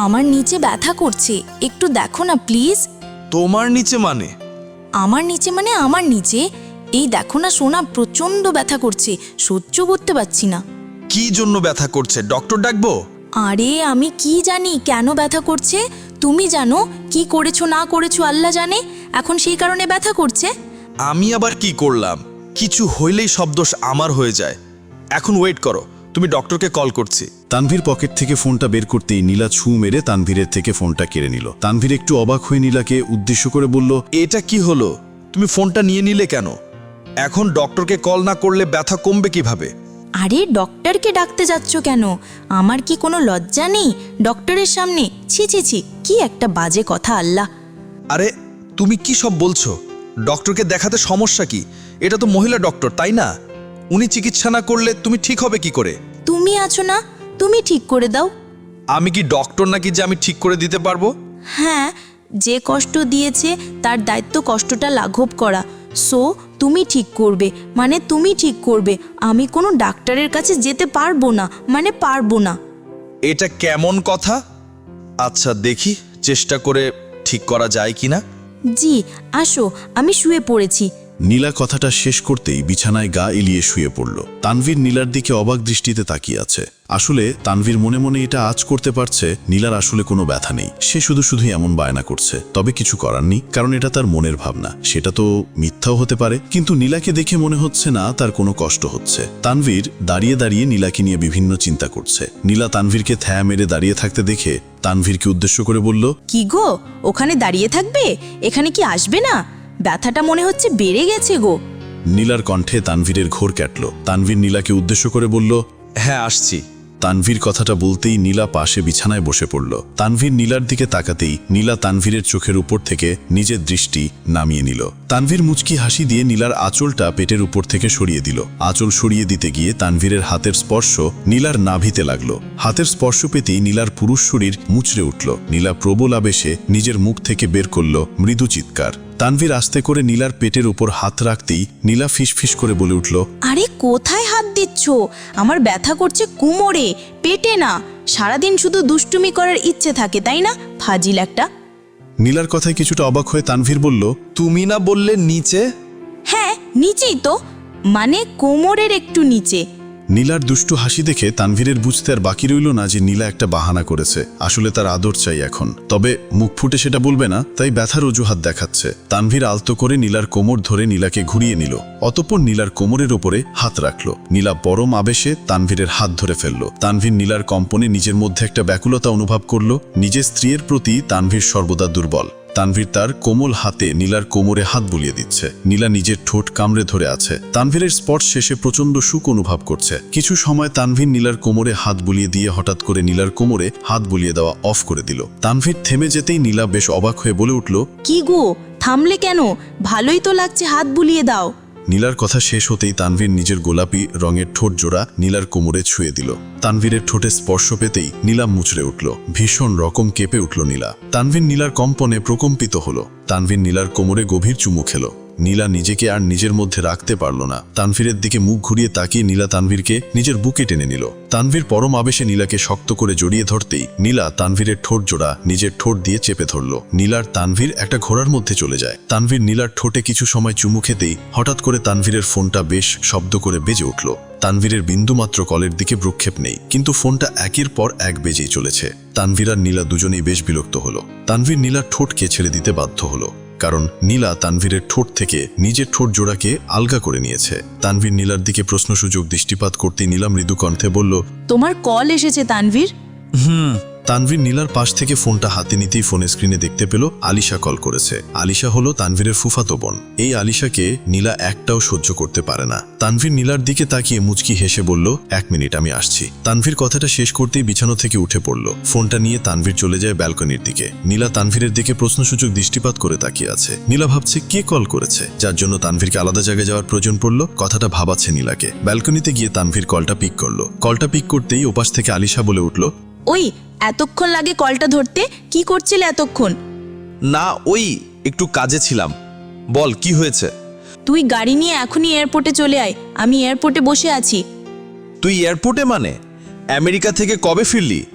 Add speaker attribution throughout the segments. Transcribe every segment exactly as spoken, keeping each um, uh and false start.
Speaker 1: আমার নিচে ব্যথা করছে, একটু দেখো না প্লিজ।
Speaker 2: তোমার নিচে মানে?
Speaker 1: আমার নিচে মানে আমার নিচে। এই দেখো না সোনা, প্রচন্ড ব্যথা করছে, সহ্য করতে পারছি না।
Speaker 2: কি জন্য ব্যথা করছে, ডক্টর ডাকবো?
Speaker 1: আরে আমি কি জানি কেন ব্যথা করছে? তুমি জানো, কি করেছো না করেছো আল্লাহ জানে, এখন সেই কারণে ব্যথা করছে।
Speaker 2: আমি আবার কি করলাম? কিছু হইলেই সব দোষ আমার হয়ে যায়। এখন ওয়েট করো, তুমি ডক্টরকে কল করছি।
Speaker 3: তানভীর পকেট থেকে ফোনটা বের করতেই নীলা ছু মেরে তানভীরের থেকে ফোনটা কেড়ে নিল। তানভীর একটু অবাক হয়ে নীলাকে উদ্দেশ্য করে বলল,
Speaker 2: এটা কি হলো? তুমি ফোনটা নিয়ে নিলে কেন? এখন ডক্টরকে কল না করলে ব্যথা কমবে কিভাবে?
Speaker 1: আরে ডক্টরকে ডাকতে যাচ্ছ কেন? আমার কি কোনো লজ্জা নেই ডক্টরের সামনে? ছি ছি ছি, কি একটা বাজে কথা আল্লাহ।
Speaker 2: আরে তুমি কি সব বলছো? ডক্টরকে দেখাতে সমস্যা কি? এটা তো মহিলা ডক্টর, তাই না? উনি চিকিৎসা না করলে তুমি ঠিক হবে কি করে?
Speaker 1: তুমি আছো না, তুমি ঠিক করে দাও।
Speaker 2: আমি কি ডক্টর নাকি যে আমি ঠিক করে দিতে পারবো?
Speaker 1: হ্যাঁ, যে কষ্ট দিয়েছে তার দায়িত্ব কষ্টটা লাঘব করা। সো তুমি ঠিক করবে, মানে তুমি ঠিক করবে। আমি কোনো ডাক্তারের কাছে যেতে পারবো না, মানে পারবো না।
Speaker 2: এটা কেমন কথা? আচ্ছা দেখি চেষ্টা করে ঠিক করা যায় কিনা।
Speaker 1: জি আসো, আমি শুয়ে পড়েছি।
Speaker 3: নীলা কথাটা শেষ করতেই বিছানায় গা এলিয়ে শুয়ে পড়ল। তানভীর নীলার দিকে অবাক দৃষ্টিতে তাকিয়ে আছে। আসলে তানভীর মনে মনে এটা আজ করতে পারছে নীলার আসলে কোনো ব্যথা নেই, সে শুধু শুধু এমন বায়না করছে। তবে কিছু করার নেই, কারণ এটা তার মনের ভাবনা, সেটা তো মিথ্যাও হতে পারে। কিন্তু নীলাকে দেখে মনে হচ্ছে না তার কোনো কষ্ট হচ্ছে। তানভীর দাঁড়িয়ে দাঁড়িয়ে নীলাকে নিয়ে বিভিন্ন চিন্তা করছে। নীলা তানভীরকে থ্যা মেরে দাঁড়িয়ে থাকতে দেখে তানভীরকে উদ্দেশ্য করে বলল,
Speaker 1: কি গো, ওখানে দাঁড়িয়ে থাকবে? এখানে কি আসবে না? ব্যথাটা মনে হচ্ছে বেড়ে গেছে গো।
Speaker 3: নীলার কণ্ঠে তানভীরের ঘোর কাটল। তানভীর নীলাকে উদ্দেশ্য করে বলল,
Speaker 2: হ্যাঁ আসছি।
Speaker 3: তানভীর কথাটা বলতেই নীলা পাশে বিছানায় বসে পড়ল। তানভীর নীলার দিকে তাকাতেই নীলা তানভীরের চোখের উপর থেকে নিজের দৃষ্টি নামিয়ে নিল। তানভীর মুচকি হাসি দিয়ে নীলার আঁচলটা পেটের উপর থেকে সরিয়ে দিল। আঁচল সরিয়ে দিতে গিয়ে তানভীরের হাতের স্পর্শ নীলার নাভিতে লাগলো। হাতের স্পর্শ পেতেই নীলার পুরুষ শরীর মুচড়ে উঠল। নীলা প্রবল আবেশে নিজের মুখ থেকে বের করল মৃদু চিৎকার। তানভীর আস্তে করে নীলার পেটের উপর হাত রাখতেই নীলা ফিসফিস করে বলে উঠল,
Speaker 1: আরে কোথায় হাত দিচ্ছ? আমার ব্যথা করছে কোমরে, পেটে না। সারাদিন শুধু দুষ্টুমি করার ইচ্ছে থাকে, তাই না? ফাজিল একটা।
Speaker 3: নীলার কথায় কিছুটা অবাক হয়ে তানভীর বলল,
Speaker 2: তুমি না বললে নিচে?
Speaker 1: হ্যাঁ নিচেই তো, মানে কোমরের একটু নিচে।
Speaker 3: নীলার দুষ্টু হাসি দেখে তানভীরের বুঝতে আর বাকি রইল না যে নীলা একটা বাহানা করেছে। আসলে তার আদর চাই এখন, তবে মুখ ফুটে সেটা বলবে না, তাই ব্যথার অজুহাত দেখাচ্ছে। তানভীর আলতো করে নীলার কোমর ধরে নীলাকে ঘুরিয়ে নিল। অতঃপর নীলার কোমরের ওপরে হাত রাখল। নীলা পরম আবেশে তানভীরের হাত ধরে ফেলল। তানভীর নীলার কম্পনে নিজের মধ্যে একটা ব্যাকুলতা অনুভব করল। নিজের স্ত্রীর প্রতি তানভীর সর্বদা দুর্বল। তানভীর তার কোমল হাতে নীলার কোমরে হাত বুলিয়ে দিচ্ছে। নীলা নিজের ঠোঁট কামড়ে ধরে আছে। তানভীরের স্পর্শ শেষে প্রচন্ড সুখ অনুভব করছে। কিছু সময় তানভীর নীলার কোমরে হাত বুলিয়ে দিয়ে হঠাৎ করে নীলার কোমরে হাত বুলিয়ে দেওয়া অফ করে দিল। তানভীর থেমে যেতেই নীলা বেশ অবাক হয়ে বলে উঠল,
Speaker 1: কি গো, থামলে কেন? ভালোই তো লাগছে, হাত বুলিয়ে দাও।
Speaker 3: নীলার কথা শেষ হতেই তানভীর নিজের গোলাপি রঙের ঠোঁট জোড়া নীলার কোমরে ছুঁয়ে দিল। তানভীরের ঠোঁটে স্পর্শ পেতেই নীলা মুচড়ে উঠল। ভীষণ রকম কেঁপে উঠল নীলা। তানভীর নীলার কম্পনে প্রকম্পিত হলো। তানভীর নীলার কোমরে গভীর চুমু খেল। নীলা নিজেকে আর নিজের মধ্যে রাখতে পারল না। তানভীরের দিকে মুখ ঘুরিয়ে তাকিয়ে নীলা তানভীরকে নিজের বুকে টেনে নিল। তানভীর পরম আবেশে নীলাকে শক্ত করে জড়িয়ে ধরতেই নীলা তানভীরের ঠোঁট জোড়া নিজের ঠোঁট দিয়ে চেপে ধরল। নীলার তানভীর একটা ঘোড়ার মধ্যে চলে যায়। তানভীর নীলার ঠোঁটে কিছু সময় চুমু খেতেই হঠাৎ করে তানভীরের ফোনটা বেশ শব্দ করে বেজে উঠল। তানভীরের বিন্দুমাত্র কলের দিকে ভ্রুক্ষেপ নেই, কিন্তু ফোনটা একের পর এক বেজেই চলেছে। তানভীর আর নীলা দুজনেই বেশ বিরক্ত হলো। তানভীর নীলার ঠোঁটকে ছেড়ে দিতে বাধ্য হলো, কারণ নীলা তানভীরের ঠোঁট থেকে নিজের ঠোঁট জোড়াকে আলগা করে নিয়েছে। তানভীর নীলার দিকে প্রশ্নসূচক দৃষ্টিপাত করতেই নীলা মৃদু কণ্ঠে বলল,
Speaker 1: তোমার কল এসেছে তানভীর।
Speaker 2: হুম।
Speaker 3: তানভীর নীলার পাশ থেকে ফোনটা হাতে নিতেই ফোনের স্ক্রিনে দেখতে পেল আলিশা কল করেছে। আলিশা হলো তানভীরের ফুফাতো বোন। এই আলিশাকে নীলা একটাও সহ্য করতে পারে না। তানভীর নীলার দিকে তাকিয়ে মুচকি হেসে বলল, এক মিনিট আমি আসছি। তানভীর কথাটা শেষ করতেই বিছানো থেকে উঠে পড়ল। ফোনটা নিয়ে তানভীর চলে যায় ব্যালকনির দিকে। নীলা তানভীরের দিকে প্রশ্নসূচক দৃষ্টিপাত করে তাকিয়ে আছে। নীলা ভাবছে কে কল করেছে, যার জন্য তানভীরকে আলাদা জায়গায় যাওয়ার প্রয়োজন পড়ল। কথাটা ভাবাচ্ছে নীলাকে। ব্যালকনিতে গিয়ে তানভীর কলটা পিক করলো। কলটা পিক করতেই ওপাশ থেকে আলিশা বলে উঠল,
Speaker 1: ওই এতক্ষণ লাগে কলটা ধরতে? কি করছিলে এতক্ষণ?
Speaker 2: না ওই একটু কাজে ছিলাম। বল কি হয়েছে?
Speaker 1: তুই গাড়ি নিয়ে এখনই এয়ারপোর্টে চলে আয়, আমি এয়ারপোর্টে বসে আছি।
Speaker 2: তুই এয়ারপোর্টে মানে? আমেরিকা থেকে কবে ফিরলি?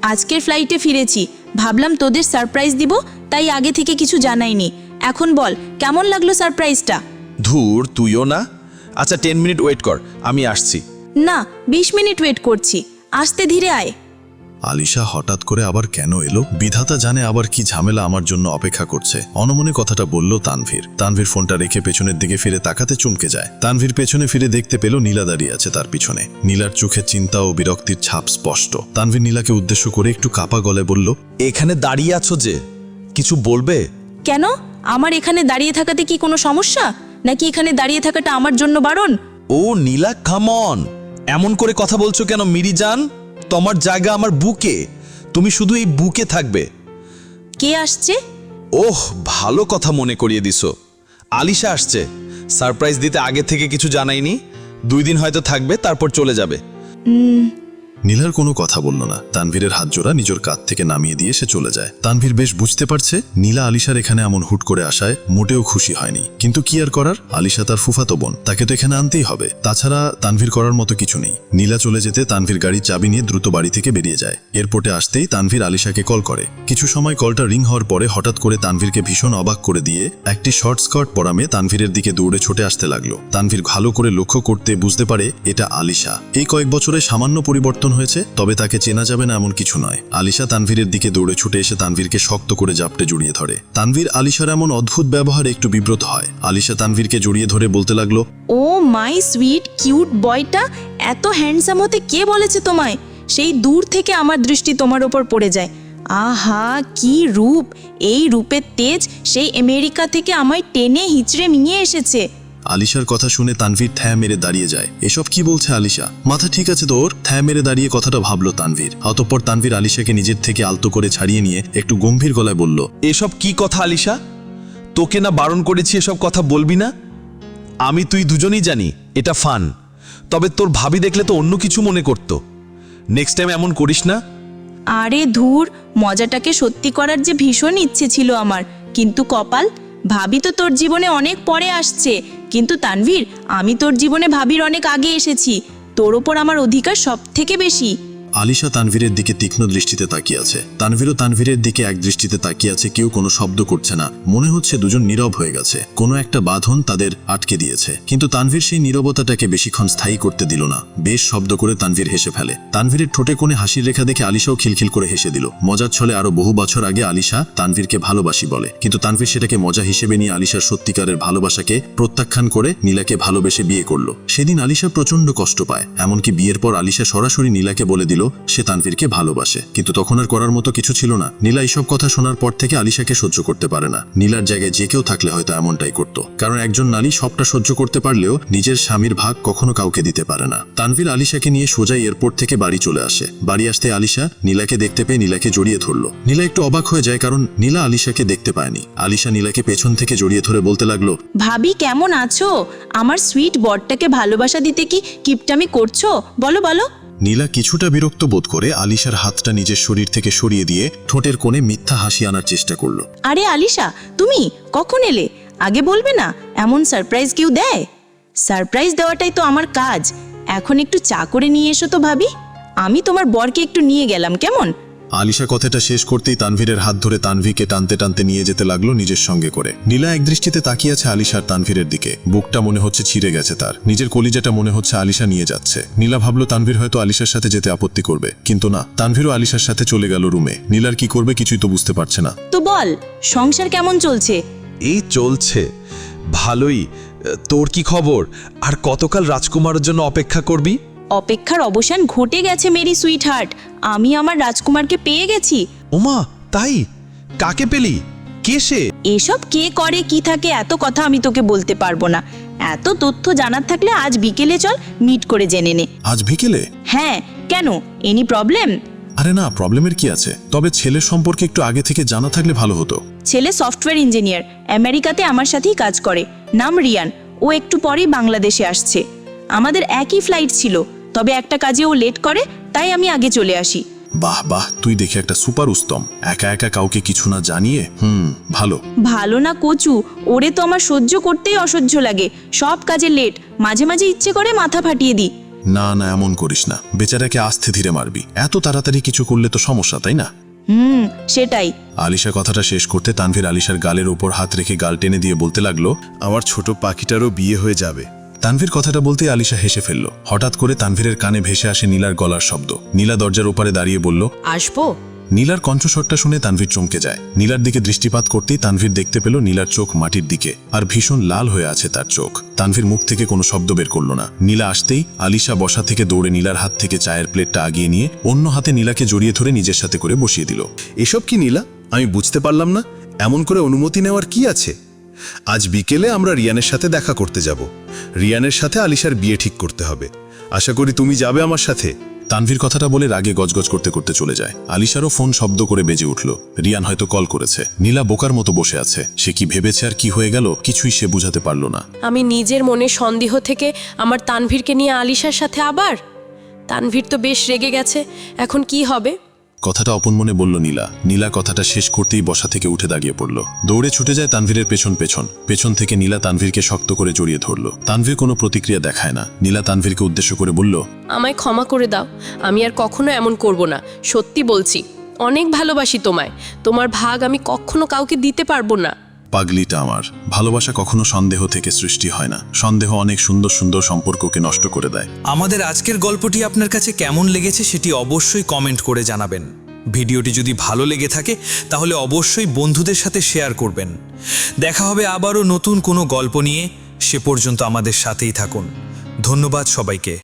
Speaker 1: আজকের ফ্লাইটে ফিরেছি, ভাবলাম তোদের সারপ্রাইজ দিব, তাই আগে থেকে কিছু জানাইনি। এখন বল, কেমন লাগলো সারপ্রাইজটা?
Speaker 2: ধুর, তুইও না। আচ্ছা, টেন মিনিট ওয়েট কর, আমি আসছি।
Speaker 1: না, বিশ মিনিট ওয়েট করছি, আসতে ধীরে আয়।
Speaker 3: আলিশা হঠাৎ করে আবার কেন এলো? বিধাতা জানে আবার কি ঝামেলা আমার জন্য অপেক্ষা করছে। অনমনে কথাটা বলল তানভীর। তানভীর ফোনটা রেখে পেছনের দিকে ফিরে তাকাতে চমকে যায়। তানভীর পেছনে ফিরে দেখতে পেল নীলা দাঁড়িয়ে আছে তার পিছনে। নীলার চোখে চিন্তা ও বিরক্তির ছাপ স্পষ্ট। তানভীর নীলাকে উদ্দেশ্য করে একটু কাপা গলায় বলল,
Speaker 2: এখানে দাঁড়িয়ে আছো যে, কিছু বলবে?
Speaker 1: কেন? আমার এখানে দাঁড়িয়ে থাকাতে কি কোনো সমস্যা, নাকি এখানে দাঁড়িয়ে থাকাটা আমার জন্য বারণ?
Speaker 2: ও নীলা, কাম অন, এমন করে কথা বলছো কেন মিরিজান? তোমার জায়গা আমার বুকে, তুমি শুধু এই বুকে থাকবে।
Speaker 1: কে আসছে?
Speaker 2: ওহ, ভালো কথা মনে করিয়ে দিছো। আলিশা আসছে। সারপ্রাইজ দিতে আগে থেকে কিছু জানাইনি। দুই দিন হয়তো থাকবে, তারপর চলে যাবে।
Speaker 3: নীলার কোনো কথা বলল না। তানভীরের হাত জোড়া নিজের কাঁধ থেকে নামিয়ে দিয়ে সে চলে যায়। তানভীর বেশ বুঝতে পারছে নীলা আলিশার এখানে এমন হুট করে আসায় মোটেও খুশি হয়নি, কিন্তু কি আর করার, আলিশা তার ফুফাতো বোন, তাকে তো এখানে আনতেই হবে। তাছাড়া তানভীর করার মতো কিছু নেই। নীলা চলে যেতে তানভীর গাড়ির চাবি নিয়ে দ্রুত বাড়ি থেকে বেরিয়ে যায়। এয়ারপোর্টে আসতেই তানভীর আলিশাকে কল করে। কিছু সময় কলটা রিং হওয়ার পরে হঠাৎ করে তানভীরকে ভীষণ অবাক করে দিয়ে একটি শর্ট স্কার্ট পরা মেয়ে তানভীরের দিকে দৌড়ে ছুটে আসতে লাগলো। তানভীর ভালো করে লক্ষ্য করতে বুঝতে পারে এটা আলিশা। এই কয়েক বছরে সামান্য পরিবর্তন হয়েছে, তবে তাকে চেনা যাবে না এমন কিছু নয়। আলিশা তানভীরের দিকে দৌড়ে ছুটে এসে তানভীরকে শক্ত করে জাপটে জড়িয়ে ধরে। তানভীর আলিশার এমন অদ্ভুত ব্যবহারে একটু বিব্রত হয়। আলিশা তানভীরকে জড়িয়ে ধরে বলতে লাগলো,
Speaker 1: ও মাই সুইট কিউট বয়টা, এত হ্যান্ডসাম হতে কে বলেছে তোমায়? সেই দূর থেকে আমার দৃষ্টি তোমার ওপর পড়ে যায়। আহা, কি রূপ! এই রূপের তেজ সেই আমেরিকা থেকে আমায় টেনে হিচড়ে নিয়ে এসেছে।
Speaker 3: আলিশার কথা শুনে তানভীর থ্যা মেরে দাঁড়িয়ে যায়। এসব কি বলছে আলিশা? মাথা ঠিক আছে তোর? থ্যা মেরে দাঁড়িয়ে কথাটা ভাবলো তানভীর। অতঃপর তানভীর আলিশাকে নিজের থেকে আলতো করে ছাড়িয়ে নিয়ে একটু গম্ভীর গলায় বলল,
Speaker 2: এসব কি কথা আলিশা? তোকে না বারণ করেছি এসব কথা বলবি না? আমি তুই দুজনেই জানি এটা ফান, তবে তোর ভাবি দেখলে তো অন্য কিছু মনে করতো। নেক্সট টাইম এমন করিস না।
Speaker 1: আরে ধুর, মজাটাকে সত্যি করার যে ভীষণ ইচ্ছে ছিল আমার, কিন্তু কপাল, ভাবি তো তোর জীবনে অনেক পরে আসছে। কিন্তু তানভীর, আমি তোর জীবনে ভাবির অনেক আগে এসেছি। তোর ওপর আমার অধিকার সব থেকে বেশি।
Speaker 3: আলিশা তানভীরের দিকে তীক্ষ্ণ দৃষ্টিতে তাকিয়ে আছে। তানভীরও তানভীরের দিকে এক দৃষ্টিতে তাকিয়ে আছে। কেউ কোনো শব্দ করছে না। মনে হচ্ছে দুজন নীরব হয়ে গেছে। কোনো একটা বাঁধন তাদের আটকে দিয়েছে। কিন্তু তানভীর সেই নীরবতাটাকে বেশিক্ষণ স্থায়ী করতে দিল না। বেশ শব্দ করে তানভীর হেসে ফেলে। তানভীরের ঠোঁটে কোণে হাসির রেখা দেখে আলিশাও খিলখিল করে হেসে দিল। মজার ছলে আরো বহু বছর আগে আলিশা তানভীরকে ভালোবাসি বলে, কিন্তু তানভীর সেটাকে মজা হিসেবে নিয়ে আলিশার সত্যিকারের ভালোবাসাকে প্রত্যাখ্যান করে নীলাকে ভালোবেসে বিয়ে করলো। সেদিন আলিশা প্রচন্ড কষ্ট পায়। এমনকি বিয়ের পর আলিশা সরাসরি নীলাকে বলে দিল সে তানভীরকে ভালোবাসে, কিন্তু তখন আর করার মতো কিছু ছিল না। নীলা এইসব কথা শোনার পর থেকে আলিশাকে সহ্য করতে পারে না। নীলার জায়গায় যে কেউ থাকলে হয়তো এমনটাই করত, কারণ একজন নারী সবটা সহ্য করতে পারলেও নিজের স্বামীর ভাগ কখনো কাউকে দিতে পারে না। তানভীর আলিশাকে নিয়ে সোজা এয়ারপোর্ট থেকে বাড়ি চলে আসে। বাড়ি আসতে আলিশা নীলাকে দেখতে পেয়ে নীলাকে জড়িয়ে ধরলো। নীলা একটু অবাক হয়ে যায়, কারণ নীলা আলিশাকে দেখতে পায়নি। আলিশা নীলাকে পেছন থেকে জড়িয়ে ধরে বলতে লাগলো,
Speaker 1: ভাবি কেমন আছো? আমার সুইট বরটাকে ভালোবাসা দিতে কি কিপটামি করছো? বলো বলো।
Speaker 3: নীলা কিছুটা বিরক্ত বোধ করে আলিশার হাতটা নিজের শরীর থেকে সরিয়ে দিয়ে ঠোঁটের কোণে মিথ্যা হাসি আনার চেষ্টা করলো।
Speaker 1: আরে আলিশা, তুমি কখন এলে? আগে বলবে না? এমন সারপ্রাইজ কেউ দেয়? সারপ্রাইজ দেওয়াটাই তো আমার কাজ। এখন একটু চা করে নিয়ে এসো তো ভাবি। আমি তোমার বরকে একটু নিয়ে গেলাম, কেমন?
Speaker 3: আলিশা কথাটা শেষ করতেই তানভীরের হাত ধরে তানভীরকে টানতে টানতে নিয়ে যেতে লাগলো নিজের সঙ্গে করে। নীলা একদৃষ্টিতে তাকিয়ে আছে আলিশার তানভীরের দিকে। বুকটা মনে হচ্ছে ছিঁড়ে গেছে তার। নিজের কলিজাটা মনে হচ্ছে আলিশা নিয়ে যাচ্ছে। নীলা ভাবলো তানভীর হয়তো আলিশার সাথে যেতে আপত্তি করবে, কিন্তু না, তানভীরও আলিশার সাথে চলে গেল রুমে। নীলার কি করবে কিছুই তো বুঝতে পারছে না।
Speaker 1: তো বল, সংসার কেমন চলছে?
Speaker 2: এই চলছে ভালোই। তোর কি খবর? আর কতকাল রাজকুমারের জন্য অপেক্ষা করবি?
Speaker 1: অপেক্ষার অবসান ঘটে গেছে মেরি সুইট হার্ট। আমি আমার রাজকুমারকে পেয়ে গেছি।
Speaker 2: ওমা, তাই? কাকে পেলি? কে সে?
Speaker 1: এসব কে করে কি থাকে এত কথা আমি তোকে বলতে পারবো না। এত তথ্য জানার থাকলে আজ বিকেলে চল, মিট করে জেনে নে।
Speaker 3: আজ বিকেলে?
Speaker 1: হ্যাঁ, কেন? Any problem?
Speaker 3: আরে না, প্রবলেমের কি আছে, তবে ছেলের সম্পর্কে একটু আগে থেকে জানা থাকলে ভালো হতো।
Speaker 1: ছেলে সফটওয়্যার ইঞ্জিনিয়ার, আমেরিকাতে আমার সাথেই কাজ করে। নাম রিয়ান। ও একটু পরেই বাংলাদেশে আসছে। আমাদের একই ফ্লাইট ছিল, তবে একটা কাজে ও লেট করে, তাই আমি আগে চলে আসি।
Speaker 3: বাহ বাহ, তুই দেখে একটা সুপার উত্তম। একা একা কাউকে কিছু না জানিয়ে, হুম ভালো।
Speaker 1: ভালো না কচু, ওরে তো আমার সহ্য করতেই অসহ্য লাগে। সব কাজে লেট, মাঝে মাঝে ইচ্ছে করে মাথা ফাটিয়ে দিই।
Speaker 3: না না, এমন করিস না, বেচারাকে আস্তে ধীরে মারবি। এত তাড়াতাড়ি কিছু করলে তো সমস্যা, তাই না?
Speaker 1: হুম সেটাই।
Speaker 3: আলিশা কথাটা শেষ করতে তানভীর আলিশার গালের ওপর হাত রেখে গাল টেনে দিয়ে বলতে লাগলো,
Speaker 4: আমার ছোট পাখিটারও বিয়ে হয়ে যাবে।
Speaker 3: তানভীর কথাটা বলতে আলিশা হেসে ফেলল। হঠাৎ করে তানভীরের কানে ভেসে আসে নীলার গলার শব্দ। নীলা দরজার ওপারে দাঁড়িয়ে বলল,
Speaker 1: আসবো?
Speaker 3: নীলার কণ্ঠস্বরটা শুনে তানভীর চমকে যায়। নীলার দিকে দৃষ্টিপাত করতেই তানভীর দেখতে পেল নীলার চোখ মাটির দিকে, আর ভীষণ লাল হয়ে আছে তার চোখ। তানভীর মুখ থেকে কোনো শব্দ বের করল না। নীলা আসতেই আলিশা বসা থেকে দৌড়ে নীলার হাত থেকে চায়ের প্লেটটা আগিয়ে নিয়ে অন্য হাতে নীলাকে জড়িয়ে ধরে নিজের সাথে করে বসিয়ে দিল।
Speaker 4: এসব কি নীলা? আমি বুঝতে পারলাম না, এমন করে অনুমতি নেওয়ার কি আছে? আজ বিকেলে আমরা রিয়ানের সাথে দেখা করতে যাব। রিয়ানের সাথে আলিশার বিয়ে ঠিক করতে হবে। আশা করি তুমি যাবে আমার সাথে।
Speaker 3: তানভীর কথাটা বলে রাগে গজগজ করতে করতে চলে যায়। আলিশারও ফোন শব্দ করে বেজে উঠল। রিয়ান হয়তো কল করেছে। নীলা বোকার মতো বসে আছে। সে কি ভেবেছে আর কি হয়ে গেল কিছুই সে বুঝাতে পারল না।
Speaker 5: আমি নিজের মনে সন্দেহ থেকে আমার তানভীরকে নিয়ে আলিশার সাথে আবার। তানভীর তো বেশ রেগে গেছে, এখন কি হবে?
Speaker 3: কথাটা অপন মনে বলল নীলা। নীলা কথাটা শেষ করতেই বসা থেকে উঠে দাঁড়িয়ে পড়ল। দৌড়ে ছুটে যায় তানভীরের পেছন পেছন। পেছন থেকে নীলা তানভীরকে শক্ত করে জড়িয়ে ধরল। তানভীর কোনো প্রতিক্রিয়া দেখায় না। নীলা তানভীরকে উদ্দেশ্য করে বলল,
Speaker 5: আমায় ক্ষমা করে দাও, আমি আর কখনো এমন করব না, সত্যি বলছি। অনেক ভালোবাসি তোমায়, তোমার ভাগ আমি কখনো কাউকে দিতে পারবো না।
Speaker 3: পাগলিটা আমার। ভালোবাসা কখনো সন্দেহ থেকে সৃষ্টি হয় না। সন্দেহ অনেক সুন্দর সুন্দর সম্পর্ককে নষ্ট করে দেয়।
Speaker 6: আমাদের আজকের গল্পটি আপনার কাছে কেমন লেগেছে সেটি অবশ্যই কমেন্ট করে জানাবেন। ভিডিওটি যদি ভালো লেগে থাকে তাহলে অবশ্যই বন্ধুদের সাথে শেয়ার করবেন। দেখা হবে আবারও নতুন কোনো গল্প নিয়ে। সে পর্যন্ত আমাদের সাথেই থাকুন। ধন্যবাদ সবাইকে।